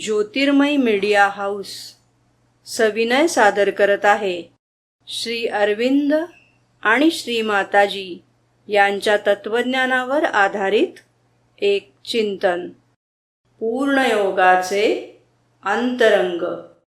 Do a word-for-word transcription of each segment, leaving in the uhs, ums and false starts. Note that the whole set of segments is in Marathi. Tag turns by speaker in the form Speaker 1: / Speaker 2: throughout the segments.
Speaker 1: ज्योतिर्मय मीडिया हाऊस सविनय सादर करत आहे श्री अरविंद आणि श्री माताजी यांच्या तत्वज्ञानावर आधारित एक चिंतन, पूर्णयोगाचे अंतरंग.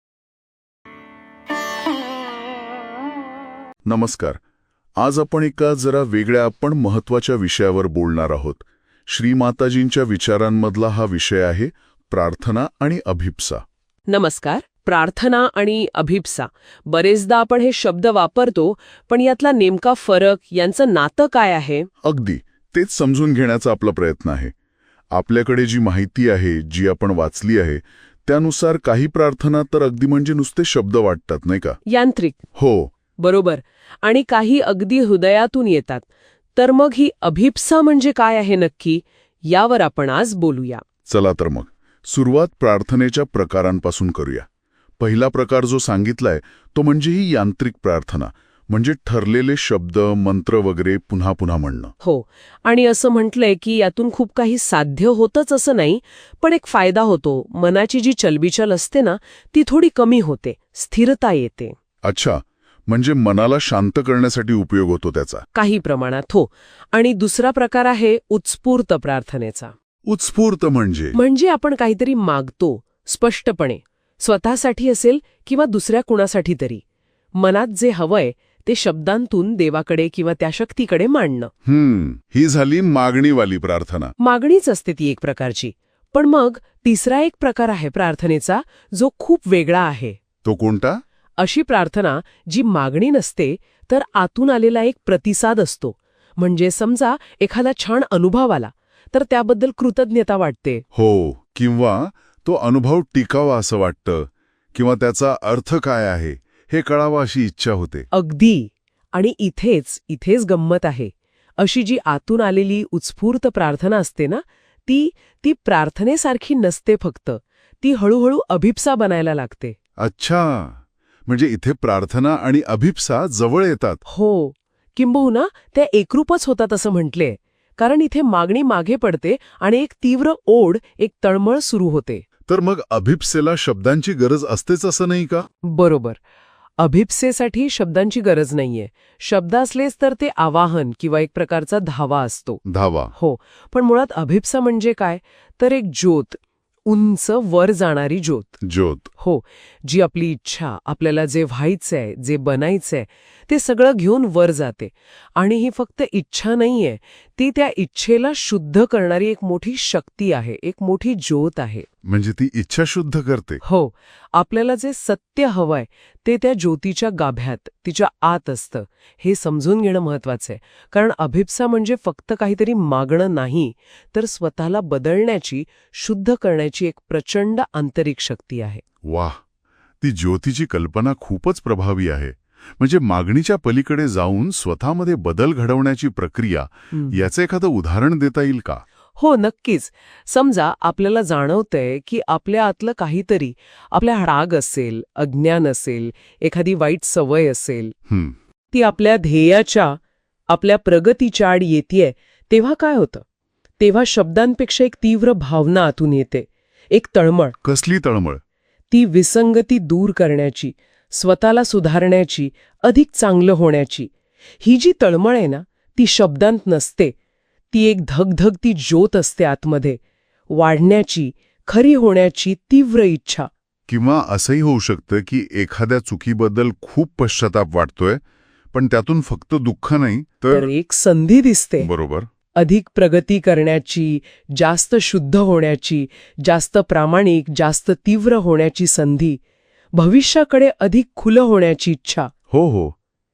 Speaker 2: नमस्कार. आज आपण एका जरा वेगळ्या पण महत्त्वाच्या विषयावर बोलणार आहोत. श्री माताजींच्या विचारांमधला हा विषय आहे प्रार्थना आणि अभिप्सा.
Speaker 3: नमस्कार. प्रार्थना आणि अभिप्सा, बरेचदा आपण हे शब्द वापरतो, पण यातला नेमका फरक, यांचं नातं काय आहे?
Speaker 2: अगदी तेच समजून घेण्याचा आपला प्रयत्न आहे. आपल्याकडे जी माहिती आहे, जी आपण वाचली आहे, त्यानुसार काही प्रार्थना तर अगदी म्हणजे नुसते शब्द वाटतात, नाही का?
Speaker 3: यांत्रिक.
Speaker 2: हो,
Speaker 3: बरोबर. आणि काही अगदी हृदयातून येतात. तर मग ही अभिप्सा म्हणजे काय आहे नक्की, यावर आपण आज बोलूया.
Speaker 2: चला तर मग सुरुवात प्रार्थनेच्या प्रकारांपासून करूया. पहिला प्रकार जो सांगितलाय तो म्हणजे ही यांत्रिक प्रार्थना, म्हणजे ठरलेले शब्द, मंत्र वगैरे पुन्हा पुन्हा म्हणणं.
Speaker 3: हो. आणि असं म्हटलंय की यातून खूप काही साध्य होतच असं नाही, पण एक फायदा होतो. मनाची जी चलबिचल असते ना, ती थोडी कमी होते, स्थिरता येते.
Speaker 2: अच्छा, म्हणजे मनाला शांत करण्यासाठी उपयोग होतो त्याचा.
Speaker 3: काही प्रमाणात हो. आणि दुसरा प्रकार आहे उत्स्फूर्त प्रार्थनेचा.
Speaker 2: उत्स्फूर्त म्हणजे
Speaker 3: म्हणजे आपण काहीतरी मागतो स्पष्टपणे, स्वतःसाठी असेल किंवा दुसऱ्या कुणासाठी तरी. मनात जे हवंय ते शब्दांतून देवाकडे किंवा त्या शक्तीकडे मांडणं.
Speaker 2: हम्म ही झाली मागणीवाली प्रार्थना.
Speaker 3: मागणीच असते ती एक प्रकारची. पण मग तिसरा एक प्रकार आहे प्रार्थनेचा, जो खूप वेगळा आहे.
Speaker 2: तो कोणता?
Speaker 3: अशी प्रार्थना जी मागणी नसते, तर आतून आलेला एक प्रतिसाद असतो. म्हणजे समजा एखादा छान अनुभव आला, तर त्याबद्दल कृतज्ञता वाटते.
Speaker 2: हो, किंवा तो अनुभव टिकावा असं वाटतं, किंवा त्याचा अर्थ काय आहे हे कळावं अशी इच्छा होते.
Speaker 3: अगदी. आणि इथेच इथेच गंमत आहे. अशी जी आतून आलेली उत्स्फूर्त प्रार्थना असते ना, ती ती प्रार्थनेसारखी नसते फक्त. ती हळूहळू अभिप्सा बनायला लागते.
Speaker 2: अच्छा, म्हणजे इथे प्रार्थना आणि अभिप्सा जवळ येतात.
Speaker 3: हो, किंबहुना त्या एकरूपच होतात असं म्हटले. कारण इथे मागणी मागे पडते आणि एक तीव्र ओढ, एक तळमळ सुरू होते.
Speaker 2: तर मग अभिप्सेला शब्दांची गरज असतेच असं नाही का?
Speaker 3: बरोबर. अभिप्सेसाठी शब्दांची गरज नाहीये. शब्द असलेच तर ते आवाहन किंवा एक प्रकारचा धावा असतो.
Speaker 2: धावा.
Speaker 3: हो. पण मुळात अभिप्सा म्हणजे काय, तर एक ज्योत, उंच वर जाणारी ज्योत.
Speaker 2: ज्योत.
Speaker 3: हो, जी आपली इच्छा, आपल्याला जे व्हायचंय, जे बनायचंय, ते सगळं घेऊन वर जाते. आणि ही फक्त इच्छा नाहीये, ती त्या इच्छेला शुद्ध करणारी एक मोठी शक्ती आहे, एक मोठी ज्योत आहे.
Speaker 2: म्हणजे ती इच्छा शुद्ध करते.
Speaker 3: हो. आपल्याला जे सत्य हवंय ते त्या ज्योतीच्या गाभ्यात, तिच्या आत असतं. हे समजून घेणं महत्वाचं आहे. कारण अभिप्सा म्हणजे फक्त काहीतरी मागणं नाही, तर स्वतःला बदलण्याची, शुद्ध करण्याची एक प्रचंड आंतरिक शक्ती आहे.
Speaker 2: वाह, ती ज्योतीची कल्पना खूपच प्रभावी आहे. म्हणजे मागणीच्या पलीकडे जाऊन स्वतःमध्ये बदल घडवण्याची प्रक्रिया. याचं एखादं उदाहरण देता येईल का?
Speaker 3: हो, नक्कीच. समजा आपल्याला जाणवतंय की आपल्या आतलं काहीतरी, आपल्या राग असेल, अज्ञान असेल, एखादी वाईट सवय असेल, ती आपल्या ध्येयाच्या, आपल्या प्रगतीच्या आड येतेय, तेव्हा काय होतं? तेव्हा शब्दांपेक्षा एक तीव्र भावना आतून येते, एक तळमळ.
Speaker 2: कसली तळमळ?
Speaker 3: ती विसंगती दूर करण्याची, स्वतःला सुधारण्याची, अधिक चांगलं होण्याची. ही जी तळमळ आहे ना, ती शब्दांत नसते. ती एक धगधगती ज्योत असते आतमध्ये, वाढण्याची, खरी होण्याची तीव्र इच्छा.
Speaker 2: किंवा असंही होऊ शकतं की एखाद्या चुकीबद्दल खूप पश्चाताप वाटतोय, पण त्यातून फक्त दुःख नाही तर
Speaker 3: एक संधी दिसते.
Speaker 2: बरोबर.
Speaker 3: अधिक प्रगती करण्याची, जास्त शुद्ध होण्याची, जास्त प्रामाणिक, जास्त तीव्र होण्याची संधी, भविष्याकडे अधिक खुलं होण्याची इच्छा.
Speaker 2: हो हो.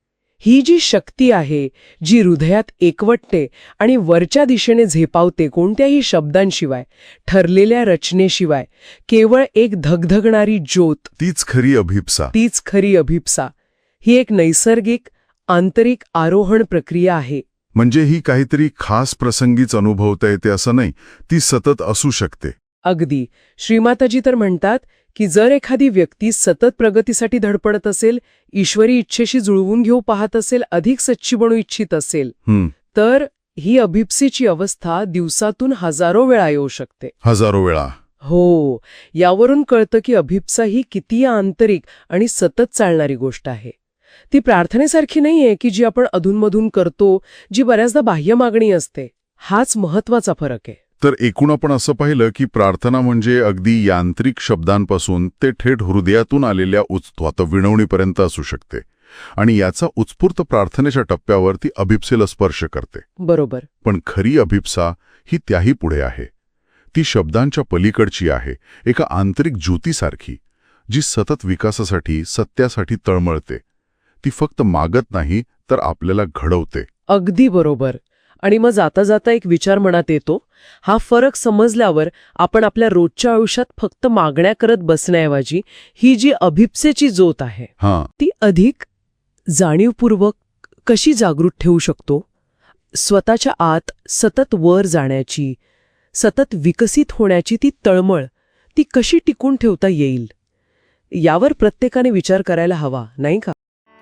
Speaker 3: ही जी शक्ती आहे, जी हृदयात एकवटते आणि वरच्या दिशेने झेपावते, कोणत्याही शब्दांशिवाय, ठरलेल्या रचनेशिवाय, केवळ एक धगधगणारी ज्योत,
Speaker 2: तीच खरी अभिप्सा.
Speaker 3: तीच खरी अभिप्सा. ही एक नैसर्गिक, आंतरिक आरोहण प्रक्रिया आहे.
Speaker 2: म्हणजे ही काहीतरी खास प्रसंगीच अनुभवता येते असं नाही, ती सतत असू शकते.
Speaker 3: अगदी. श्रीमाताजी तर म्हणतात की जर एखादी व्यक्ती सतत प्रगतीसाठी धडपडत असेल, ईश्वरी इच्छेशी जुळवून घेऊ पाहत असेल, अधिक सच्ची बनू इच्छित असेल, तर ही अभिप्सेची अवस्था दिवसातून हजारो वेळा येऊ शकते.
Speaker 2: हजारो वेळा.
Speaker 3: हो, यावरून कळतं की अभिप्सा ही किती आंतरिक आणि सतत चालणारी गोष्ट आहे. ती प्रार्थनेसारखी नाहीये की जी आपण अधूनमधून करतो, जी बऱ्याचदा बाह्य मागणी असते. हाच महत्वाचा फरक आहे.
Speaker 2: तर एकूण आपण असं पाहिलं की प्रार्थना म्हणजे अगदी यांत्रिक शब्दांपासून ते थेट हृदयातून आलेल्या उत्स्वात विनवणीपर्यंत असू शकते आणि याचा उत्स्फूर्त प्रार्थनेच्या टप्प्यावर ती अभिप्सेला स्पर्श करते.
Speaker 3: बरोबर.
Speaker 2: पण खरी अभिप्सा ही त्याही पुढे आहे. ती शब्दांच्या पलीकडची आहे, एका आंतरिक ज्योतीसारखी, जी सतत विकासासाठी, सत्यासाठी तळमळते. ती फक्त मागत नाही, तर आपल्याला घडवते.
Speaker 3: अगदी बरोबर. आणि मग जाता जाता एक विचार मनात येतो, हा फरक समजल्यावर आपण आपल्या रोजच्या आयुष्यात फक्त मागण्या करत बसण्याऐवजी ही जी अभिप्सेची ज्योत आहे
Speaker 2: हां,
Speaker 3: ती अधिक जाणीवपूर्वक कशी जागृत ठेवू शकतो. स्वतःच्या आत सतत वर जाण्याची, सतत विकसित होण्याची ती तळमळ, ती कशी टिकून ठेवता येईल, यावर प्रत्येकाने विचार करायला हवा, नाही का?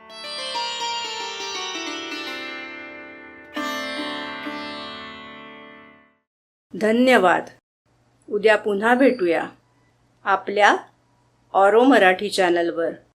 Speaker 1: धन्यवाद. उद्या पुन्हा भेटूया आपल्या ऑरो मराठी चॅनलवर.